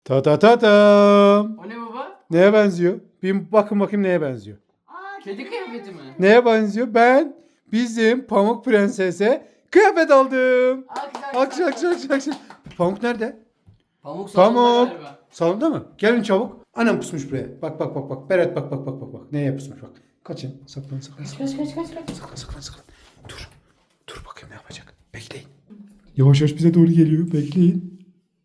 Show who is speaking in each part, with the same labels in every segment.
Speaker 1: Ta ta ta tam.
Speaker 2: O ne baba?
Speaker 1: Neye benziyor? Bir bakın bakayım neye benziyor.
Speaker 2: Kedi kıyafeti mi?
Speaker 1: Neye benziyor? Ben bizim Pamuk Prenses'e kıyafet aldım. Alkış. Pamuk nerede?
Speaker 2: Pamuk salonda
Speaker 1: Pamuk.
Speaker 2: galiba.
Speaker 1: Salonda mı? Gelin çabuk. Anam pusmuş buraya. Bak. Berat bak. Neye pusmuş bak. Kaçın. Saklan. Saklan. Dur bakayım ne yapacak. Bekleyin. Yavaş bize doğru geliyor. Bekleyin.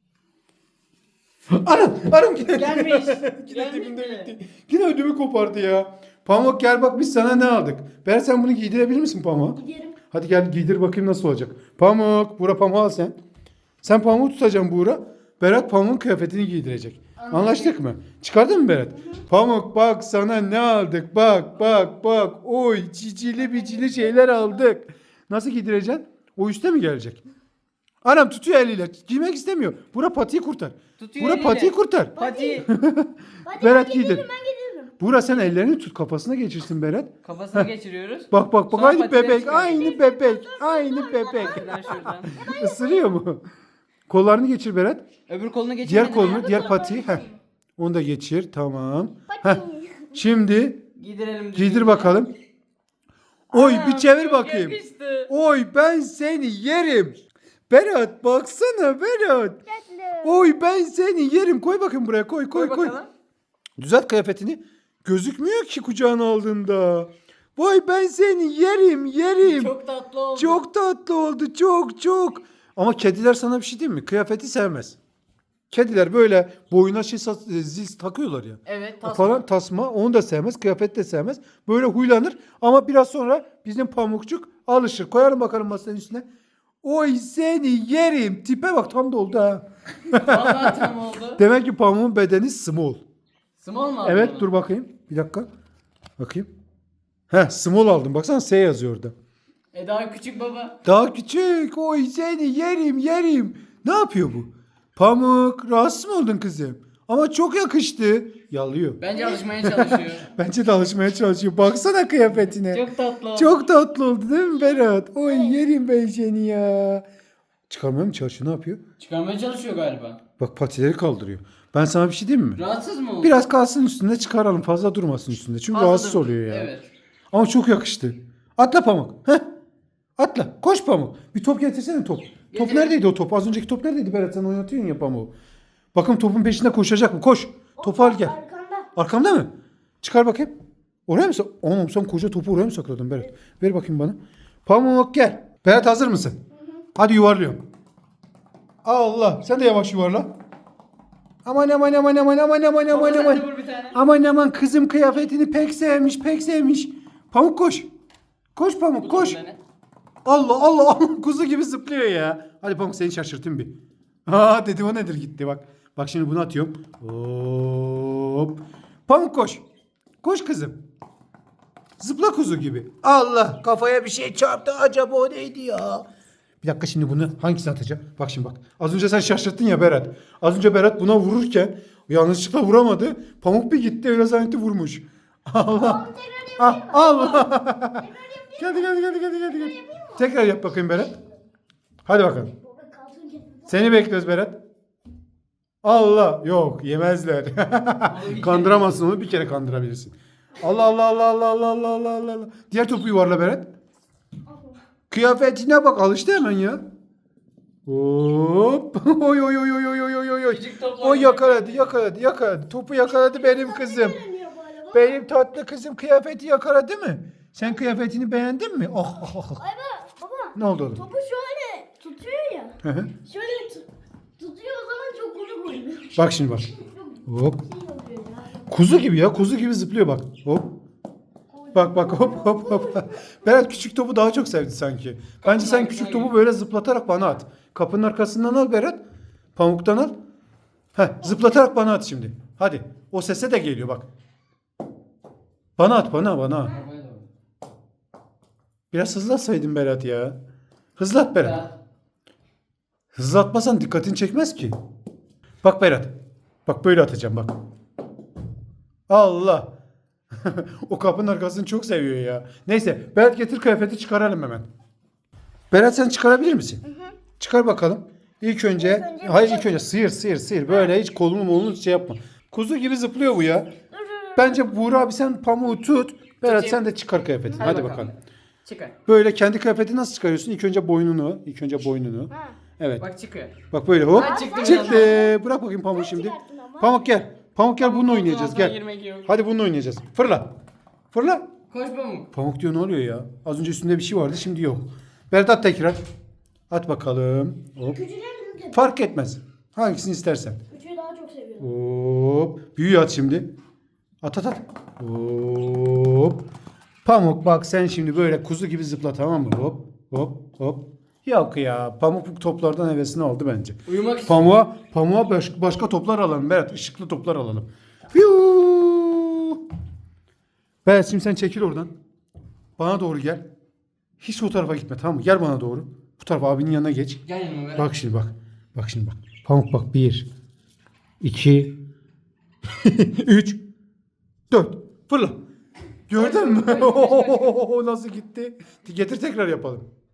Speaker 1: Anam yine
Speaker 2: Gelmiş.
Speaker 1: Yine dibinde
Speaker 2: Gelmiş
Speaker 1: bitti. Yine ödümü kopardı ya. Pamuk gel bak biz sana ne aldık. Berat sen bunu giydirebilir misin Pamuk?
Speaker 3: Giderim.
Speaker 1: Hadi gel giydir bakayım nasıl olacak. Pamuk, Buğra Pamuk al sen. Sen Pamuk'u tutacaksın Buğra. Berat Pamuk'un kıyafetini giydirecek. Anlaştık mı? Çıkardın mı Berat? Pamuk bak sana ne aldık. Bak. Oy cicili bicili şeyler aldık. Nasıl giydireceksin? O üste mi gelecek? Anam tutuyor eliyle. Giymek istemiyor. Buğra patiyi kurtar.
Speaker 2: Tutuyor
Speaker 1: Buğra
Speaker 2: eliyle.
Speaker 1: patiyi kurtar.
Speaker 2: Pati.
Speaker 3: Hadi
Speaker 1: Berat
Speaker 3: ben
Speaker 1: giydir.
Speaker 3: giderim, ben giderim.
Speaker 1: Buğra sen ellerini tut kafasına geçirsin Berat.
Speaker 2: Kafasına geçiriyoruz.
Speaker 1: Bak.
Speaker 2: Sonra
Speaker 1: Aynı
Speaker 2: patileri
Speaker 1: bebek.
Speaker 2: çıkar.
Speaker 1: Aynı bebek.
Speaker 2: Şuradan.
Speaker 1: Isırıyor mu? Kollarını geçir Berat.
Speaker 2: Öbür kolunu geçir.
Speaker 1: Diğer kolunu, diğer patiyi. Onu da geçir. Tamam. Heh. Şimdi
Speaker 2: Giydirelim.
Speaker 1: giydir bakalım. Oy bir çevir bakayım.
Speaker 2: Yakıştı.
Speaker 1: Oy ben seni yerim. Berat baksana Berat. Oy ben seni yerim. Koy bakayım buraya. Koy.
Speaker 2: bakalım.
Speaker 1: Düzelt kıyafetini. Gözükmüyor ki kucağına aldığında. Vay ben seni yerim.
Speaker 2: Çok tatlı oldu.
Speaker 1: Çok tatlı oldu. Çok. Ama kediler sana bir şey diyeyim mi? Kıyafeti sevmez. Kediler böyle boyuna zil takıyorlar ya.
Speaker 2: Evet tasma.
Speaker 1: Falan tasma onu da sevmez. Kıyafet de sevmez. Böyle huylanır. Ama biraz sonra bizim Pamukçuk alışır. Koyarım bakalım masanın üstüne. Oy seni yerim. Tipe bak tam da oldu ha.
Speaker 2: Vallahi tam oldu.
Speaker 1: Demek ki Pamuk'un bedeni small.
Speaker 2: Small mu aldın
Speaker 1: Evet
Speaker 2: onu?
Speaker 1: dur bakayım. Bir dakika. Bakayım. Small aldım. Baksana S yazıyor orada.
Speaker 2: Daha küçük baba.
Speaker 1: Daha küçük. Oy seni yerim. Ne yapıyor bu? Pamuk rahatsız mı oldun kızım? Ama çok yakıştı. Yalıyor.
Speaker 2: Bence alışmaya çalışıyor.
Speaker 1: Bence de alışmaya çalışıyor. Baksana kıyafetine.
Speaker 2: Çok tatlı oldu.
Speaker 1: Çok tatlı oldu değil mi Berat? Oy yerim ben seni ya. Çıkarmaya mı çalışıyor? Ne yapıyor?
Speaker 2: Çıkarmaya çalışıyor galiba.
Speaker 1: Bak patileri kaldırıyor. Ben sana bir şey diyeyim mi?
Speaker 2: Rahatsız mı oldu?
Speaker 1: Biraz kalsın üstünde çıkaralım. Fazla durmasın üstünde. Çünkü
Speaker 2: Fazla
Speaker 1: rahatsız
Speaker 2: dur-
Speaker 1: oluyor ya.
Speaker 2: Evet.
Speaker 1: Ama çok yakıştı. Atla Pamuk. Heh. Atla. Koş Pamuk. Bir top getirsene top. Top
Speaker 2: Getir.
Speaker 1: neredeydi o top? Az önceki top neredeydi Berat? Sen oynatıyorsun ya Pamuk. Bakın topun peşinde koşacak mı? Koş. Topu al gel.
Speaker 3: Arkanda.
Speaker 1: Arkamda mı? Çıkar bakayım. Oraya mı Oğlum sen koca topu oraya mı sakladın Berat? Ver bakayım bana. Pamuk gel. Berat hazır mısın? Hadi yuvarlıyorum. Allah. Sen de yavaş yuvarla. Aman.
Speaker 2: Baba sen de vur bir tane.
Speaker 1: Aman kızım kıyafetini pek sevmiş. Pamuk koş. Koş Pamuk koş.
Speaker 2: Bir tane.
Speaker 1: Allah kuzu gibi zıplıyor ya. Hadi Pamuk seni şaşırtayım bir. Dedim o nedir gitti bak. Bak şimdi bunu atıyorum. Hop. Pamuk koş. Koş kızım. Zıpla kuzu gibi. Allah kafaya bir şey çarptı acaba o neydi ya? Bir dakika şimdi bunu hangisini atacağım? Bak şimdi bak. Az önce sen şaşırttın ya Berat. Az önce Berat buna vururken yanlışlıkla vuramadı. Pamuk bir gitti öyle zannetti vurmuş. Allah. Allah. Gel. Tekrar yap bakayım Berat. Hadi bakalım.
Speaker 3: Baba kalkınca.
Speaker 1: Seni bekliyoruz Berat. Allah. Yok yemezler. Kandıramazsın onu bir kere kandırabilirsin. Allah. Diğer topu yuvarla Berat. Kıyafetine bak alıştı hemen ya. Hop. Oy.
Speaker 2: Küçük top
Speaker 1: O yakaladı. Topu yakaladı benim kızım.
Speaker 3: Dönüyor böyle bak.
Speaker 1: Benim tatlı kızım kıyafeti yakaladı mı? Sen kıyafetini beğendin mi? Oh.
Speaker 3: Ay baba.
Speaker 1: Ne oldu oğlum?
Speaker 3: Topu şöyle tutuyor ya.
Speaker 1: Hı hı.
Speaker 3: Şöyle tutuyor o zaman çok uzun oluyor.
Speaker 1: Bak şimdi bak. Hop.
Speaker 3: Şey oluyor ya.
Speaker 1: Kuzu gibi ya. Kuzu gibi zıplıyor bak. Hop. Bak hop. Berat küçük topu daha çok sevdi sanki. Bence sen küçük topu böyle zıplatarak bana at. Kapının arkasından al Berat. Pamuktan al. Zıplatarak bana at şimdi. Hadi. O sese de geliyor bak. Bana at.
Speaker 2: Babaya doğru.
Speaker 1: Biraz hızlatsaydın Berat ya. Hızlat Berat.
Speaker 2: Ya,
Speaker 1: Hızlatmasan dikkatini çekmez ki. Bak Berat. Bak böyle atacağım bak. Allah. O kapının arkasını çok seviyor ya. Neyse Berat getir kıyafeti çıkaralım hemen. Berat sen çıkarabilir misin? Çıkar bakalım. İlk önce hayır ilk önce sıyır. Böyle hiç kolunu şey yapma. Kuzu gibi zıplıyor bu ya. Bence Buğra abi sen pamuğu tut. Berat
Speaker 2: Tutayım.
Speaker 1: sen de çıkar kıyafetini. Hadi bakalım.
Speaker 2: Çıkar.
Speaker 1: Böyle kendi kıyafetini nasıl çıkarıyorsun? İlk önce boynunu.
Speaker 3: Ha.
Speaker 1: Evet.
Speaker 2: Bak çıkıyor.
Speaker 1: Bak böyle hop.
Speaker 2: Ha, çıktı
Speaker 1: Çıktı.
Speaker 2: biraz.
Speaker 1: Bırak bakayım pamuğu şimdi.
Speaker 3: çıkarttın ama.
Speaker 1: Pamuk gel. Pamuk gel bununla oynayacağız
Speaker 2: Ondan sonra
Speaker 1: gel.
Speaker 2: girmek yok.
Speaker 1: Hadi bununla oynayacağız. Fırla. Fırla.
Speaker 2: Koş Pamuk.
Speaker 1: Pamuk diyor ne oluyor ya? Az önce üstünde bir şey vardı şimdi yok. Berat at tekrar. At bakalım. Hop.
Speaker 3: Küçüğü mi büyük?
Speaker 1: Fark etmez. Hangisini istersen.
Speaker 3: Küçüğü daha çok seviyorum.
Speaker 1: Hop. Büyüğü at şimdi. At. Hop. Pamuk bak sen şimdi böyle kuzu gibi zıpla tamam mı? Hop. Yok ya. Pamuk bu toplardan hevesini aldı bence.
Speaker 2: Uyumak istiyorum.
Speaker 1: Pamuğa başka toplar alalım Berat. Işıklı toplar alalım. Fiyuu. Berat şimdi sen çekil oradan. Bana doğru gel. Hiç o tarafa gitme tamam mı? Gel bana doğru. Bu tarafa abinin yanına geç.
Speaker 2: Gel yanıma ver.
Speaker 1: Bak şimdi bak. Bak şimdi bak. Pamuk bak. 1 2 3 4 Fırla. Gördün mü? Nasıl gitti? Getir tekrar yapalım.